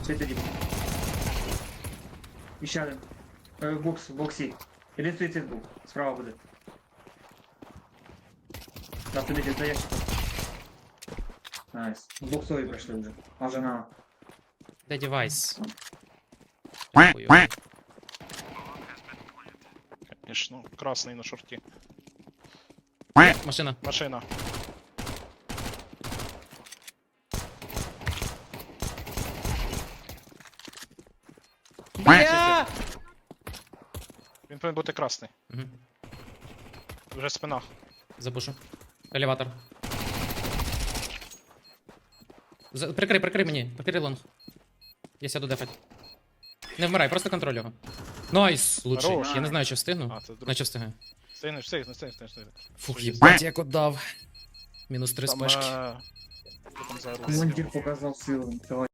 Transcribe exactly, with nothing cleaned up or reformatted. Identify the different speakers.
Speaker 1: Світ тоді. І ще один. Е, в бокс, в боксі. Один стоїть цей був. Справа буде. Так, туди десь даєш. Найс. В боксові пройшли вже. А вже на...
Speaker 2: Де девайс? Дякую.
Speaker 3: Конечно, красний на шорті.
Speaker 2: Машина.
Speaker 3: Машина.
Speaker 2: Бля!
Speaker 3: Він повинен бути красний.
Speaker 2: Угу.
Speaker 3: Вже спина.
Speaker 2: Запушу. Елеватор. За... Прикрий, прикрий мені. Прикрий лонг. Я сяду дефать. Не вмирай, просто контроль його. Найс! Лучший.
Speaker 3: Хорош.
Speaker 2: Я не знаю, чи встигну.
Speaker 3: А, це друг.
Speaker 2: Наче встигаю.
Speaker 3: Встигнеш, встигнеш, встигнеш, встигнеш.
Speaker 2: Фух,
Speaker 3: Що
Speaker 2: їбать, як отдав. Мінус три
Speaker 3: Там,
Speaker 2: спешки.
Speaker 3: е, що там за рух?
Speaker 1: Командир показав силу. Давай.